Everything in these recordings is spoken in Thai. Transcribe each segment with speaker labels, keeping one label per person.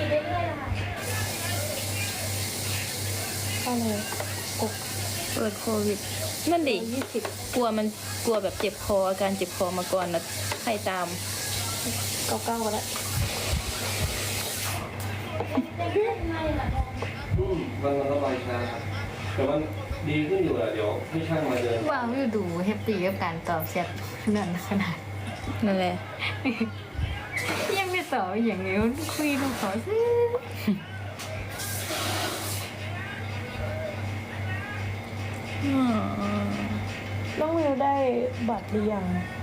Speaker 1: ก็เลย
Speaker 2: เปิดโควิดนั่นดิ
Speaker 1: 20
Speaker 2: กลัวแบบเจ็บคออาการเจ็บคอมาก่อนนะใครตาม
Speaker 1: 99ก็ได้
Speaker 3: มันระบายช้าแต่ว่าดีขึ้นอยู่อะเดี๋ยวให้ช่างมาเดิน
Speaker 4: ว้าวอยู่ดูแฮปปี้กับการตอบแชทนั่นขนาด
Speaker 2: นั่นแหละ
Speaker 4: ยังไม่ตอบอย่างเงี้ยคุยกับเขาซิ
Speaker 1: น้องวิวได้บัตรหรือยัง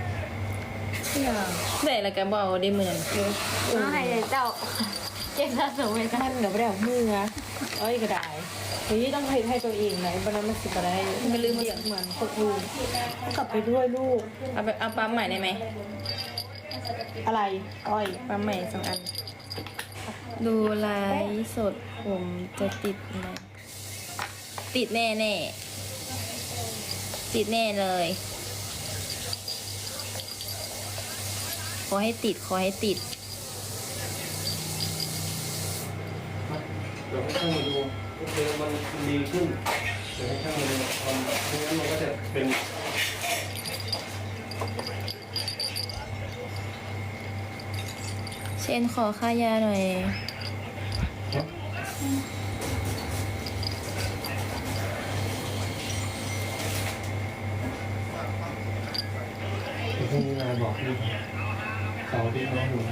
Speaker 2: ได้แล้วก็บเอาได้เหมือน
Speaker 4: น้าให้เจ้าเจ็บสะสมเลยจ้ะ
Speaker 1: มันเดี๋ยวไม่ได้เอามือนะเอ้ยก็ได้เฮ้ยต้องให้ตัวเองไหนบันนั้นมันสิบอะไร
Speaker 2: ก็ลืมเสียง
Speaker 1: เหมือนคนอื่นกลับไปด้วยลูก
Speaker 2: เอาปั๊มใหม่ได้ไหม
Speaker 1: อะไรอ้อย
Speaker 2: ปั๊มใหม่2 อัน ดูไลฟ์สดผมจะติดไหมติดแน่ติดแน่เลย ขอให้ติด
Speaker 3: เดี๋ยวให้ช่างมาดูโอเคมันดีขึ้นเดี๋ยวให้ช่างมาดูไม่งั้นมันก็จะเป็น
Speaker 2: เชนขอค่ายาหน่อย
Speaker 3: พรุ่งนี้นายบอกพี่เสาร์ที่น้องอยู่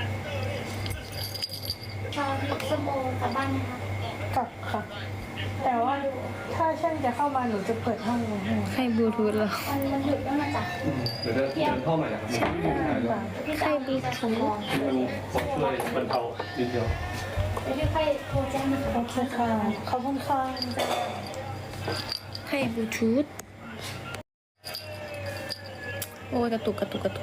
Speaker 5: ตอนนี้สมองกลับบ้านนะคะ
Speaker 1: กลับค่ะ แต่ว่าถ้าช่างจะเข้ามาหนูจะเปิดห้องไว้ให้
Speaker 2: ใครบลูทูธเหรอ
Speaker 5: มันหยุดแล้วมาจาก
Speaker 3: เดี๋ยวจะเดินเข้าใหม่นะครับมันไม่มีปัญหาด้วย
Speaker 5: พี่จะดีจะสมอง
Speaker 3: มันพอช่วยบรรเทานิดเดียว
Speaker 5: เดี๋ยวพี่ค่อยโทรแจ้งนะคะ
Speaker 1: โอเคค่ะขอบคุณค่ะ
Speaker 2: ใครบลูทูธโอ้ยกระตุก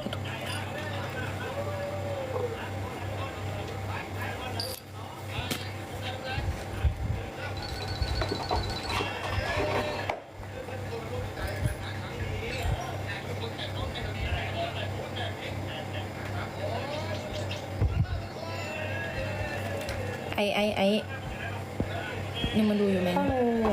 Speaker 2: ไอยังมาดูอยู่ไหม
Speaker 1: ก็เลย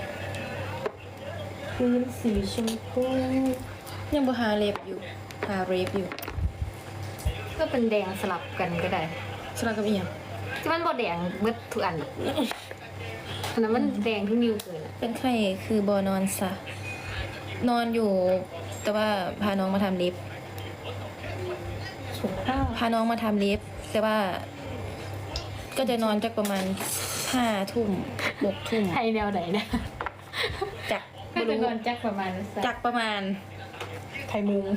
Speaker 1: พื้นสีชมพู
Speaker 2: ยังบ่หาเล็บอยู่ หาเรฟอยู่
Speaker 4: ก็เป็นแดงสลับกันก็ได้
Speaker 2: สลับกับอีหยัง
Speaker 4: ที่มันบ่แดงเบิดทุกอันอันนั้นมันแดงทุกนิ้วเกินอ่ะ
Speaker 2: เป็นไข้คือบอนอนซะนอนอยู่ แต่ว่าพาน้องมาทำเล็บ
Speaker 1: สุขภาพ
Speaker 2: พาน้องมาทำเล็บ แต่ว่า ก็จะนอนจักประมาณ5 ทุ่ม6 ทุ่ม
Speaker 4: ไทยแนวไหนนะ
Speaker 2: จัก
Speaker 4: ก็
Speaker 2: บ่
Speaker 4: จะ
Speaker 2: รู้
Speaker 4: นอนจักประมาณสัก
Speaker 2: จักประมาณ
Speaker 1: ไทยมุง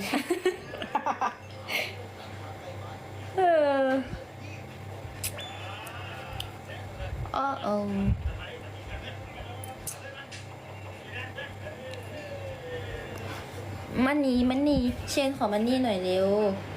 Speaker 2: เออมันนี่เชนขอมันนี่หน่อยเร็ว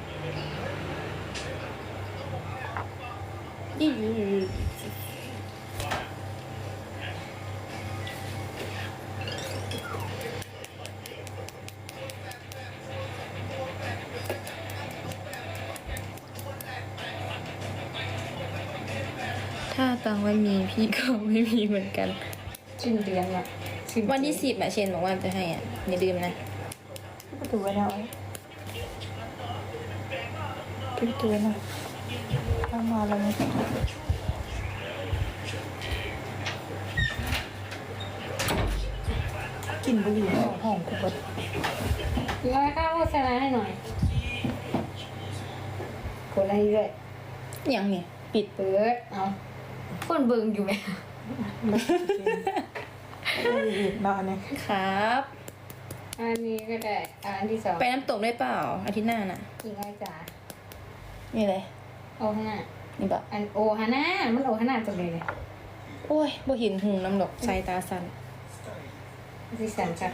Speaker 2: ถ้าตังไม่มีพี่ก็ไม่มีเหมือนกัน
Speaker 4: สิ้นเดือนละสิ้
Speaker 2: วันที่10อะเชนบอกว่าจะให้อ่ะอย่าลืมนะ
Speaker 1: ประตูไว้แล้วปิดประตูนะเข้ามาแล้วนะกลิ่นบุหรี่หอมกูเบิด
Speaker 4: ร้อยข้าวโฆษณาให้หน่อยกดอะไรด้วย
Speaker 2: อย่างเนี่ยปิด
Speaker 4: เปิดเอาคนเบิ่งอยู่ไหม
Speaker 1: บุหรี่มาเนี่ย
Speaker 2: ครับ
Speaker 4: อันนี้ก็ได้อันที่สอง
Speaker 2: ไปน้ำตกได้เปล่าอาทิตย์หน้าน่ะ
Speaker 4: อีกไอ้จ๋า
Speaker 2: นี่เลย
Speaker 4: โอฮาน่า
Speaker 2: นี่บอก
Speaker 4: อันโอฮาน่ามันโอฮาน่าจังเลย
Speaker 2: โอ้ยบ่เห็นหูน้ำดอกสายตาสั่น
Speaker 4: ที่สันจัก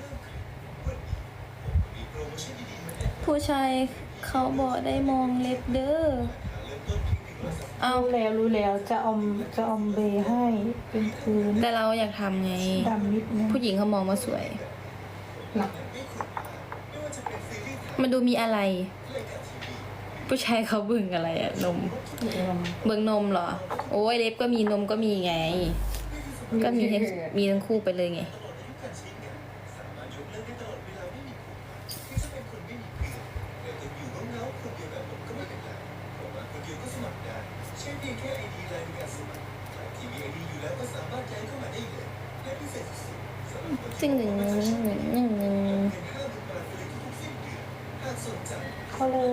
Speaker 2: ผู้ชายเขาบอกได้มองเล็บเด้อเอา
Speaker 1: รู้แล้วจะอมเบย์ให้เป็นพื้น
Speaker 2: แต่เราอยากทำไง
Speaker 1: ดำนิดนึง
Speaker 2: ผู้หญิงเขามองว่าสวย
Speaker 4: เนาะ
Speaker 2: มันดูมีอะไรผู้ชายเขาบึงอะไรอะนมเบิ่งนมเหรอ โอ้ยเล็บก็มีนมก็มีไง ก็มีให้มีทั้งคู่ไปเลยไง ซึ่งหนึ่ง
Speaker 1: เขาเลย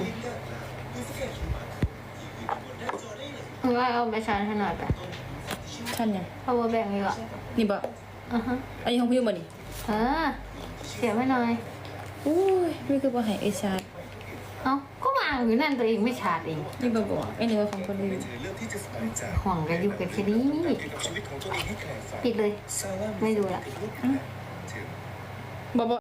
Speaker 4: ว่าเอาไปชาร์จให้หน่อยไป
Speaker 2: ขั้นยัง
Speaker 4: power bank ดีกว่า
Speaker 2: นี่บอก
Speaker 4: อ่ะฮะ
Speaker 2: อันนี้ของพี่บ่นี่
Speaker 4: เสียบไม่หน่อย
Speaker 2: อุ้ยนี่คือบ่ให้ไอชาร์จ
Speaker 4: เอ้าก็วางอยู่นั่นตัวเองไม่ชาร์จเอง
Speaker 2: นี่บ่บอกไอ้นี่ว่าของคนอื่น
Speaker 4: ห่วงกันอยู่กันแค่นี้ปิดเลย ไม่ดูละ
Speaker 2: บ่บอก